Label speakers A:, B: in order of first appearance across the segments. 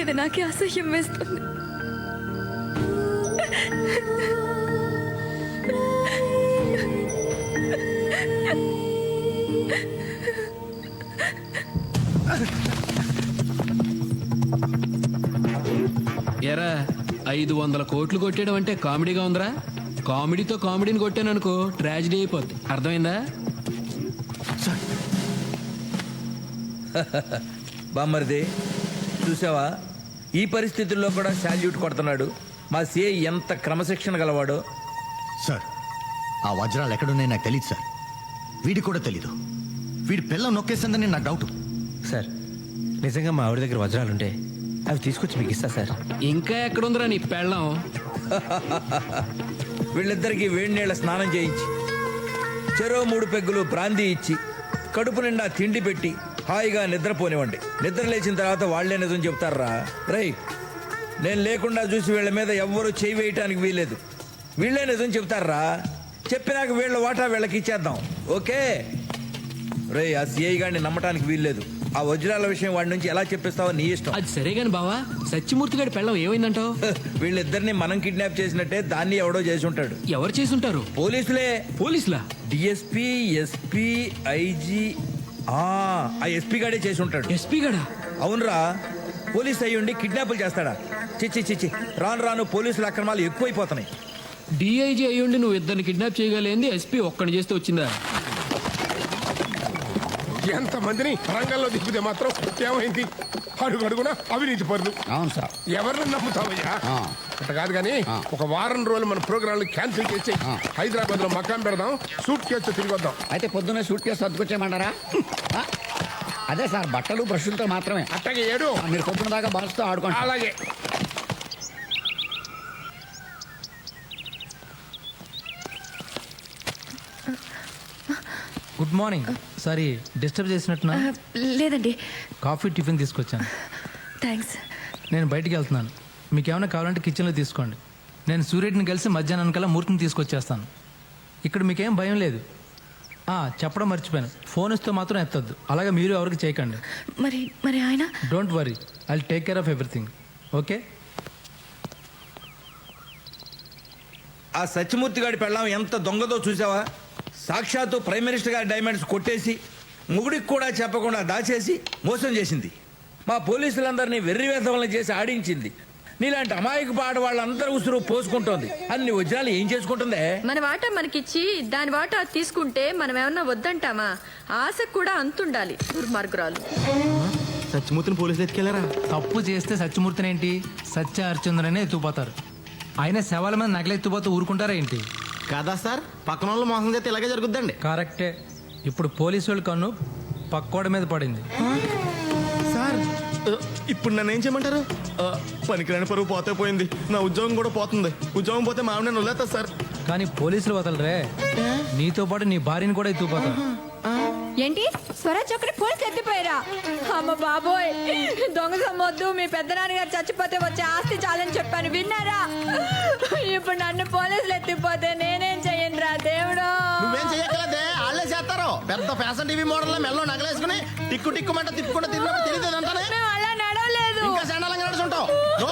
A: మీద నాకే అసహ్యం వేస్తుంది.
B: ఎరా 500 కోట్లు కొట్టేయడం అంటే కామెడీగా ఉందిరా. కామెడీతో కామెడీని కొట్టాను అనుకో ట్రాజిడీ అయిపోద్ది. అర్థమైందా?
C: బామ్మరిది చూసావా, ఈ పరిస్థితుల్లో కూడా శాల్యూట్ కొడుతున్నాడు. మా సిఐ ఎంత క్రమశిక్షణ గలవాడో.
D: సార్, ఆ వజ్రాలు ఎక్కడున్నాయి నాకు తెలియదు సార్. వీడికి కూడా తెలీదు. వీడి పిల్ల నొక్కేసిందని నా డౌట్.
E: సార్, నిజంగా మా ఆవిడ దగ్గర వజ్రాలుంటే అవి తీసుకొచ్చి మీకు ఇస్తా సార్.
B: ఇంకా ఎక్కడుందిరా నీ పెళ్ళం?
C: వీళ్ళిద్దరికీ వేడి నీళ్ళ స్నానం చేయించి, చెరో 3 పెగ్గులు బ్రాందీ ఇచ్చి, కడుపు నిండా తిండి పెట్టి హాయిగా నిద్రపోనివ్వండి. నిద్ర లేచిన తర్వాత వాళ్లే నిజం చెప్తారా. రై, నేను లేకుండా చూసి వీళ్ళ మీద ఎవ్వరూ చేయి వేయటానికి వీల్లేదు. వీళ్ళే నిజం చెప్తారా. చెప్పినాక వీళ్ళ వాటా వీళ్ళకి ఇచ్చేద్దాం. ఓకే రే, ఆ సిఐ గారిని నమ్మటానికి వీల్లేదు. ఆ వజ్రాల విషయం వాడి నుంచి ఎలా చెప్పిస్తావో నీ ఇష్టం.
B: అది సరే గాని బావా, సత్యమూర్తి గారి పెళ్ళం ఏమైందంటావు?
C: వీళ్ళిద్దరిని మనం కిడ్నాప్ చేసినట్టే దాన్ని ఎవడో చేసి ఉంటాడు.
B: ఎవరు చేసుంటారు?
C: పోలీసులే.
B: పోలీసులా?
C: DSP, SP, IG. ఆ ఎస్పీ గాడే చేసి ఉంటాడు.
B: ఎస్పీ గడా?
C: అవునరా, పోలీస్ అయ్యుండి కిడ్నాపులు చేస్తాడా? చిచ్చి చిచ్చి, రాను రాను పోలీసుల అక్రమాలు ఎక్కువైపోతున్నాయి.
B: డిఐజీ అయ్యుండి నువ్వు ఇద్దరిని కిడ్నాప్ చేయగలేంది ఎస్పీ ఒక్కడిని చేస్తే వచ్చిందా?
F: ఎంతమందిని రంగంలో దిప్పితే మాత్రం ఏమైంది? అడుగడుగునా అవినీతి పరులు.
G: అవును సార్.
F: ఎవరిని నమ్ముతావయ్యా? అట్ట కాదు కానీ ఒక వారం రోజులు మన ప్రోగ్రాంలు క్యాన్సిల్ చేసి హైదరాబాద్ లో మకాం పెడదాం, సూట్ కేసు తిరిగి వద్దాం.
G: అయితే పొద్దున్నే సూట్ కేసు సర్దుకొచ్చేయమంటారా? అదే సార్, బట్టలు బ్రష్లతో మాత్రమే.
F: అట్టగే ఏడు.
G: మీరు పొద్దున దాకా బాల్స్తో ఆడుకోండి.
F: అలాగే.
H: Good morning. సారీ డిస్టర్బ్ చేసినట్టున్నా?
A: లేదండి.
H: కాఫీ టిఫిన్ తీసుకొచ్చాను.
A: థ్యాంక్స్.
H: నేను బయటికి వెళ్తున్నాను. మీకు ఏమైనా కావాలంటే కిచెన్లో తీసుకోండి. నేను సూర్యుడిని కలిసి మధ్యాహ్నం కల్లా మూర్తిని తీసుకొచ్చేస్తాను. ఇక్కడ మీకేం భయం లేదు. చెప్పడం మర్చిపోయాను, ఫోన్ ఇస్తే మాత్రం ఎత్తద్దు. అలాగే మీరు ఎవరికి చేయకండి.
A: మరి మరి ఆయన?
H: Don't worry, I will take care of everything. Okay?
C: ఆ సత్యమూర్తి గారి పెళ్ళాం ఎంత దొంగదో చూసావా? సాక్షాత్తు ప్రైమ్ మినిస్టర్ గారి డైమండ్స్ కొట్టేసి, ముగుడికి కూడా చెప్పకుండా దాచేసి మోసం చేసింది. మా పోలీసులందరినీ వెర్రివేధవలను చేసి ఆడించింది. నీలాంటి అమాయకు పాట వాళ్ళందరూ ఉసురు పోసుకుంటోంది. అన్ని వజ్రాలు ఏం చేసుకుంటుందే?
I: మన వాటా మనకిచ్చి దాని వాటా తీసుకుంటే మనం ఏమన్నా వద్దంటామా? ఆశకు కూడా అంతుండాలి. దుర్మార్గురాలు.
E: సత్యమూర్తిని పోలీసులు ఎత్తుకెళ్లారా?
H: తప్పు చేస్తే సత్యమూర్తిని ఏంటి, సత్య హరిచంద్రనే ఎత్తుకుపోతారు. ఆయన శవాల మీద నగలెత్తుపోతూ ఊరుకుంటారా ఏంటి?
E: కాదా సార్, పక్కన వాళ్ళు మోసం చేస్తే ఇలాగే జరుగుద్దండి.
H: కరెక్టే. ఇప్పుడు పోలీసు వాళ్ళ కన్ను పక్కోడ మీద పడింది.
E: సార్, ఇప్పుడు నన్ను ఏం చేయమంటారు? పనికిరాని పరువు పోతే పోయింది, నా ఉద్యోగం కూడా పోతుంది. ఉద్యోగం పోతే మా ఆవిడ నన్ను వదిలేస్తా సార్.
H: కానీ పోలీసులు వదలరే, నీతో పాటు నీ భార్యని కూడా ఎత్తుకుపోతారు.
I: ఏంటి స్వరాజ్ ఒక్కటి పోలీసులు ఎత్తిపోయారా? అమ్మ బాబోయ్, దొంగ సమ్మొద్దు. మీ పెద్దనాన్నగారు చచ్చిపోతే వచ్చే ఆస్తి చాలని చెప్పాను, విన్నారా? ఇప్పుడు నన్ను పోలీసులు ఎత్తిపోతే నేనేం చెయ్యనురా దేవుడు?
E: నువ్వేం చెయ్యగలదే, వాళ్ళే చేస్తారు. పెద్ద ఫ్యాషన్ టీవీ మోడల్ మెల్లో నగలేసుకుని టిక్కు టిక్కుమంట తిప్పుకుంటూ తిరిగినప్పుడు తెలియదు అంటానే.
I: మేము అలా నడవలేదు.
E: ఇంకా చండాలంగా నడుచుంటావు.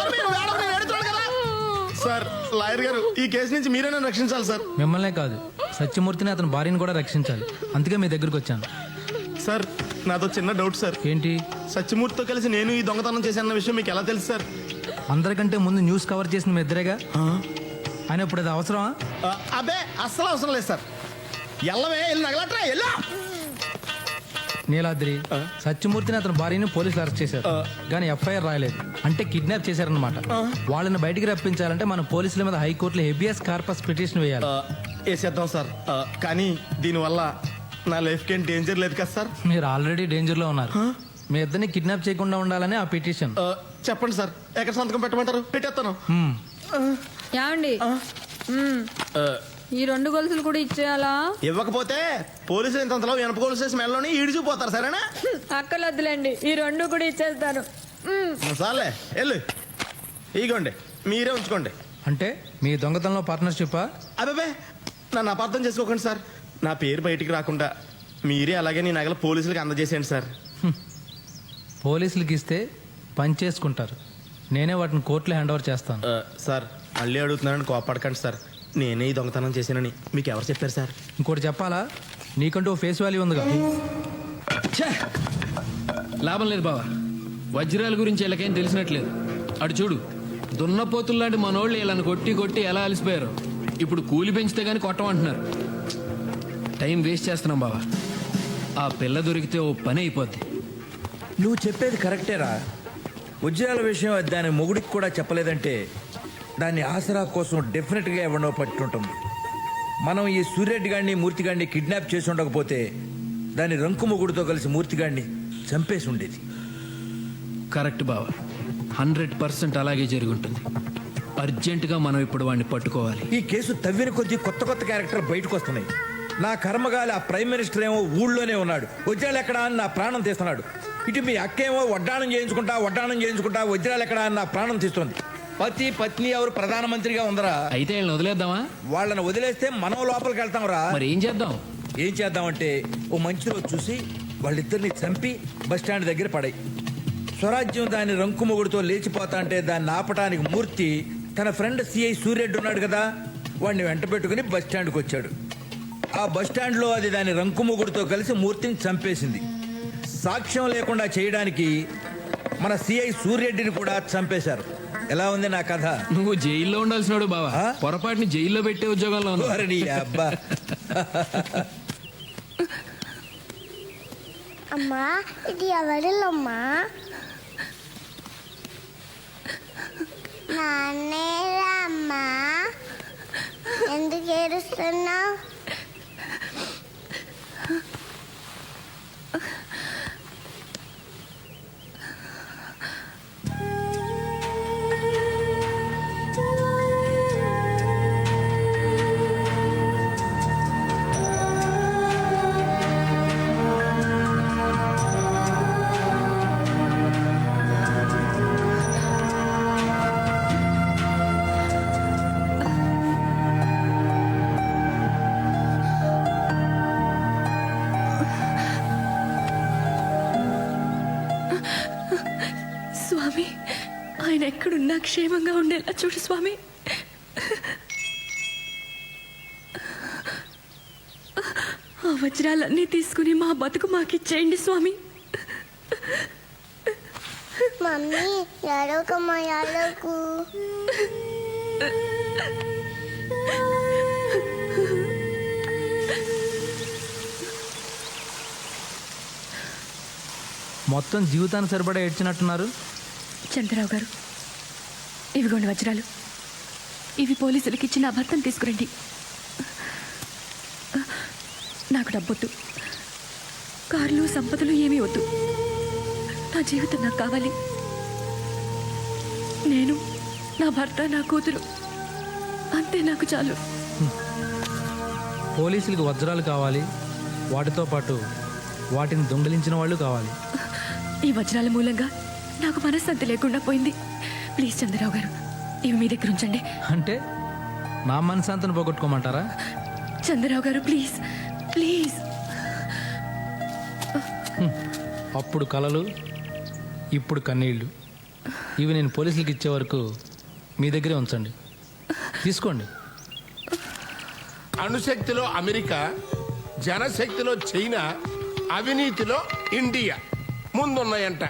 E: సార్, లాయర్ గారు, ఈ కేసు నుంచి మీరే నన్ను రక్షించాలి సార్.
H: మిమ్మల్నే కాదు, సత్యమూర్తిని అతని భార్యని కూడా రక్షించాలి. అందుకే మీ దగ్గరికి వచ్చాను.
E: సార్, నాతో చిన్న డౌట్ సార్.
H: ఏంటి?
E: సత్యమూర్తితో కలిసి నేను ఈ దొంగతనం చేశానన్న విషయం మీకు ఎలా తెలుసు సార్?
H: అందరికంటే ముందు న్యూస్ కవర్ చేసిన మీ ఇద్దరేగా. ఆయన ఇప్పుడు అది అవసరమా?
E: అబ్బే, అస్సలు అవసరం లేదు సార్. ఎల్లవే, వెళ్ళి నగలట్రా, ఎల్లా.
H: నీలాద్రి, సత్యమూర్తిని అతని భార్యని పోలీసులు అరెస్ట్ చేశారు, కానీ ఎఫ్ఐఆర్ రాయలేదు. అంటే కిడ్నాప్ చేశారనమాట. వాళ్ళని బయటికి రప్పించాలంటే మన పోలీసుల మీద హైకోర్టులో హెబియస్ కార్పస్ పిటిషన్ వేయాలి.
E: వేసేద్దాం సార్. కానీ దీనివల్ల నా లైఫ్కి ఏం డేంజర్ లేదు కదా సార్?
H: మీరు ఆల్రెడీ డేంజర్లో ఉన్నారు. మీ ఇద్దరిని కిడ్నాప్ చేయకుండా ఉండాలని ఆ పిటిషన్.
E: చెప్పండి సార్, ఎక్కడ సంతకం పెట్టమంటారు? పెట్టేస్తాను.
I: ఏమండి, ఈ 2 గొలుసులు కూడా ఇచ్చేయాలా?
E: ఇవ్వకపోతే పోలీసులు ఇంతలో వెనప గొలుసు వేసి మెల్లలోని ఈడిచిపోతారు. సరేనా?
I: అక్కలొద్దులేండి, ఈ 2 కూడా ఇచ్చేస్తాను.
E: సార్లే, వెళ్ళు. ఇగోండి, మీరే ఉంచుకోండి.
H: అంటే మీ దొంగతనంలో పార్ట్నర్షిప్పా?
E: అబ్బాబే, నన్ను అపార్థం చేసుకోకండి సార్. నా పేరు బయటికి రాకుండా మీరే అలాగే నీ నగలు పోలీసులకు అందజేసేయండి సార్.
H: పోలీసులకి ఇస్తే పని చేసుకుంటారు, నేనే వాటిని కోర్టులో హ్యాండ్ ఓవర్ చేస్తాను.
E: సార్ మళ్ళీ అడుగుతున్నానని కోపడకండి సార్. నేనే ఈ దొంగతనం చేశానని మీకు ఎవరు చెప్పారు సార్?
H: ఇంకోటి చెప్పాలా, నీకంటూ ఓ ఫేస్ వాల్యూ ఉందిగా.
B: ఛే! లాభం లేదు బావా, వజ్రాల గురించి వీళ్ళకేం తెలిసినట్లేదు. అటు చూడు, దున్నపోతుల్లాంటి మనోళ్ళు వీళ్ళని కొట్టి కొట్టి ఎలా అలసిపోయారు. ఇప్పుడు కూలి పెంచితే గానీ కొట్టమంటున్నారు. టైం వేస్ట్ చేస్తున్నాం బావా. ఆ పిల్ల దొరికితే ఓ పని అయిపోద్ది.
C: నువ్వు చెప్పేది కరెక్టేరా. వజ్రాల విషయం అది దాని మొగుడికి కూడా చెప్పలేదంటే దాన్ని ఆసరా కోసం డెఫినెట్గా ఎవరినో పట్టుంటుంది. మనం ఈ సూర్యరెడ్డి గారిని మూర్తిగాడిని కిడ్నాప్ చేసి ఉండకపోతే దాని రంకు మొగుడితో కలిసి మూర్తిగాడిని చంపేసి ఉండేది.
B: కరెక్ట్ బావా, 100% అలాగే జరుగుంటుంది. అర్జెంటుగా మనం ఇప్పుడు వాడిని పట్టుకోవాలి.
C: ఈ కేసు తవ్విన కొద్దీ కొత్త కొత్త క్యారెక్టర్ బయటకు వస్తున్నాయి. నా కర్మగాలి ఆ ప్రైమ్ మినిస్టర్ ఏమో ఊళ్ళోనే ఉన్నాడు, వజ్రాలు ఎక్కడా అని నా ప్రాణం తీస్తున్నాడు. ఇటు మీ అక్కేమో వడ్డాణం చేయించుకుంటా వజ్రాలు ఎక్కడా అని నా ప్రాణం తీస్తుంది. పతి పత్ని ఎవరు ప్రధానమంత్రిగా ఉందరా?
B: అయితే వీళ్ళని వదిలేద్దామా?
C: వాళ్ళని వదిలేస్తే మనం లోపలికి వెళ్తాంరా.
B: మరి ఏం చేద్దాం?
C: ఏం చేద్దామంటే ఓ మంచి రోజు చూసి వాళ్ళిద్దరిని చంపి బస్టాండ్ దగ్గర పడాయి. స్వరాజ్యం దాని రంకు మొగుడుతో లేచిపోతా అంటే దాన్ని ఆపటానికి మూర్తి తన ఫ్రెండ్ సిఐ సూర్యరెడ్డి ఉన్నాడు కదా, వాడిని వెంట పెట్టుకుని బస్టాండ్కి వచ్చాడు. ఆ బస్టాండ్లో అది దాని రంకు మొగుడుతో కలిసి మూర్తిని చంపేసింది. సాక్ష్యం లేకుండా చేయడానికి మన సిఐ సూర్యరెడ్డిని కూడా చంపేశారు. ఎలా ఉంది నా కథ?
B: నువ్వు జైల్లో ఉండాల్సినాడు బావా,
C: ఆ?
B: పొరపాటుని జైల్లో పెట్టే ఉద్యోగంలో ఉన్నావు.
C: ఓరి నీ అబ్బా.
J: అమ్మా ఇది ఎవరిల్లమ్మా? నాన్నేరా అమ్మా, ఎందుకు ఏడుస్తున్నావు?
A: స్వామి, ఆయన ఎక్కడున్నా క్షేమంగా ఉండేలా చూడు స్వామి. ఆ వజ్రాలన్నీ తీసుకుని మా బతుకు మాకిచ్చేయండి స్వామి.
J: మమ్మీ ఎడవకమ్మా, ఎడవకు.
H: మొత్తం జీవితాన్ని సరిపడా ఏడ్చినట్టున్నారు.
A: చంద్రరావు గారు, ఇవిగోండి వజ్రాలు. ఇవి పోలీసులకి ఇచ్చి నా భర్తను తీసుకురండి. నాకు డబ్బొద్దు, కార్లు సంపదలు ఏమీ వద్దు. నా జీవితం నాకు కావాలి. నేను, నా భర్త, నా కూతురు, అంతే నాకు చాలు.
H: పోలీసులకి వజ్రాలు కావాలి, వాటితో పాటు వాటిని దొంగిలించిన వాళ్ళు కావాలి.
A: ఈ వజ్రాల మూలంగా నాకు మనశ్శాంతి లేకుండా పోయింది. ప్లీజ్ చంద్రరావు గారు, ఇవి మీ దగ్గర ఉంచండి.
H: అంటే నా మనశాంతిని పోగొట్టుకోమంటారా?
A: చంద్రరావు గారు ప్లీజ్ ప్లీజ్.
H: అప్పుడు కలలు, ఇప్పుడు కన్నీళ్ళు. ఇవి నేను పోలీసులకి ఇచ్చే వరకు మీ దగ్గరే ఉంచండి. తీసుకోండి.
F: అణుశక్తిలో అమెరికా, జనశక్తిలో చైనా, అవినీతిలో ఇండియా ముందున్నాయంట.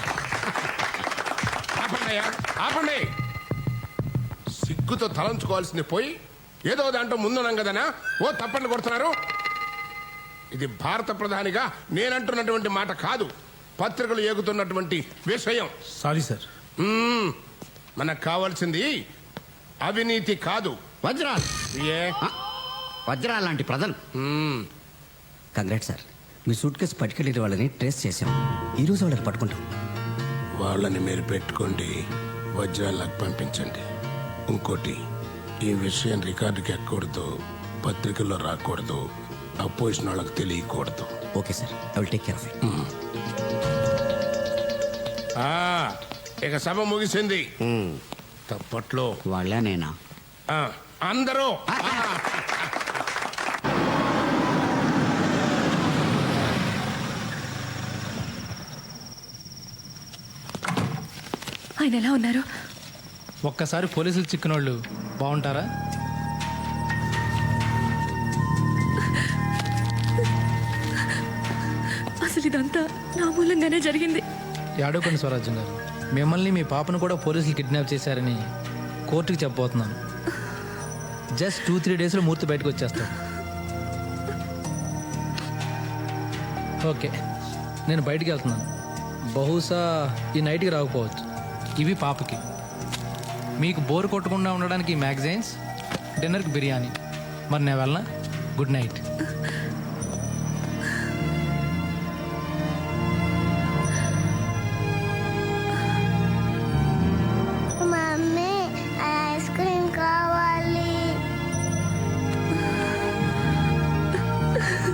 F: ఆపండియా, ఆపండి. సిగ్గుతో తలంచుకోవాల్సింది పోయి ఏదో దాంట్లో ముందున్నాం కదనా ఓ తప్పండి కొడుతున్నారు. ఇది భారత ప్రధానిగా నేనంటున్నటువంటి మాట కాదు, పత్రికలు ఏగుతున్నటువంటి విషయం.
H: Sorry sir.
F: మనకు కావాల్సింది అవినీతి కాదు,
G: వజ్రాలు.
F: ఏ
G: వజ్రాలు లాంటి ప్రజలు. కంగ్రాట్ సార్, మీ సూట్ కేసు పట్టుకెళ్ళే వాళ్ళని ట్రేస్ చేశాం. ఈరోజు వాళ్ళని పట్టుకుంటాం.
F: వాళ్ళని మీరు పెట్టుకోండి, వజ్రాలకు పంపించండి. ఇంకోటి, ఈ విషయం రికార్డుకి ఎక్కకూడదు, పత్రికల్లో రాకూడదు, అపోజిషన్ వాళ్ళకి తెలియకూడదు.
G: Okay sir, I will take care of it.
F: ఇక సభ ముగిసింది. తప్పట్లో
G: వాళ్ళే నేనా?
F: అందరూ
A: ఆయన ఎలా ఉన్నారు?
H: ఒక్కసారి పోలీసులు చిక్కినోళ్ళు బాగుంటారా?
A: అసలు ఇదంతా నా మూలంగానే జరిగింది.
H: ఏడోకండి స్వరాజ్యం గారు, మిమ్మల్ని మీ పాపను కూడా పోలీసులు కిడ్నాప్ చేశారని కోర్టుకి చెప్పబోతున్నాను. జస్ట్ 2-3 డేస్లో మూర్తి బయటకు వచ్చేస్తాను. ఓకే, నేను బయటికి వెళ్తున్నాను. బహుశా ఈ నైట్కి రాకపోవచ్చు. ఇవి పాపకి. మీకు బోర్ కొట్టకుండా ఉండడానికి మ్యాగజైన్స్, డిన్నర్కి బిర్యానీ. మరి నేను వెళ్ళనా? Good night.